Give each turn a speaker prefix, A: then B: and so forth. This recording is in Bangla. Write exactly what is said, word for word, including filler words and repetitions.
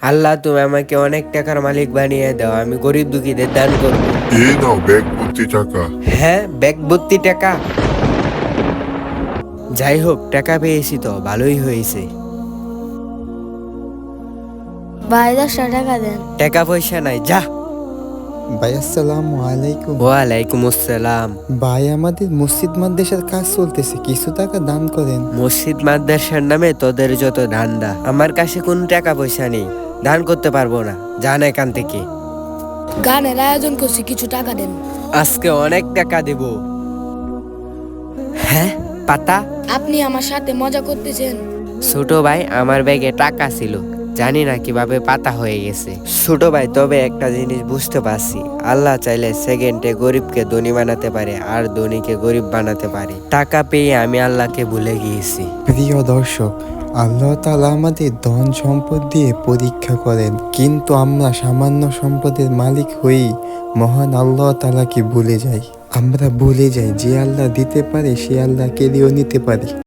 A: আল্লাহ তুমি আমাকে অনেক টাকার মালিক বানিয়ে দাও, আমি গরিব দুঃখীদের দান করব।
B: এই নাও ব্যাগ ভর্তি টাকা।
A: হ্যাঁ, ব্যাগ ভর্তি টাকা। যাই হোক, টাকা পেয়েছি তো ভালোই হয়েছে।
C: ভাই দশটা টাকা দেন।
A: টাকা পয়সা নাই, যা।
D: ভাই আসসালামু আলাইকুম।
A: ওয়ালাইকুম আসসালাম।
D: ভাই আমাদের মসজিদ মাদ্রাসার কাজ চলতেছে, কিছু টাকা দান করেন।
A: মসজিদ মাদ্রাসার নামে তোদের যত ধান্দা, আমার কাছে কোনো টাকা পয়সা নেই, দান করতে পারবো না, জান এখান থেকে।
C: গানের আয়োজন করছি, কিছু টাকা দেন।
A: আজকে অনেক টাকা দেব। হ্যাঁ, পাতা।
C: আপনি আমার সাথে মজা করতেছেন।
A: ছোট ভাই, আমার ব্যাগে টাকা ছিল, জানি না কিভাবে পাতা হয়ে গেছে। ছোট ভাই, তবে একটা জিনিস বুঝতে পারছি, আল্লাহ চাইলে সেকেন্ডে গরিবকে ধনী বানাতে পারে আর ধনীকে গরিব বানাতে পারে। টাকা পেয়ে আমি আল্লাহকে ভুলে গিয়েছি।
D: প্রিয় দর্শক, আল্লাহ তাআলা আমাদের ধন সম্পদ দিয়ে পরীক্ষা করেন, কিন্তু আমরা সামান্য সম্পদের মালিক হয়েই মহান আল্লাহ তাআলাকে ভুলে যাই। আমরা ভুলে যাই যে আল্লাহ দিতে পারে সে আল্লাহ কেড়েও নিতে পারে।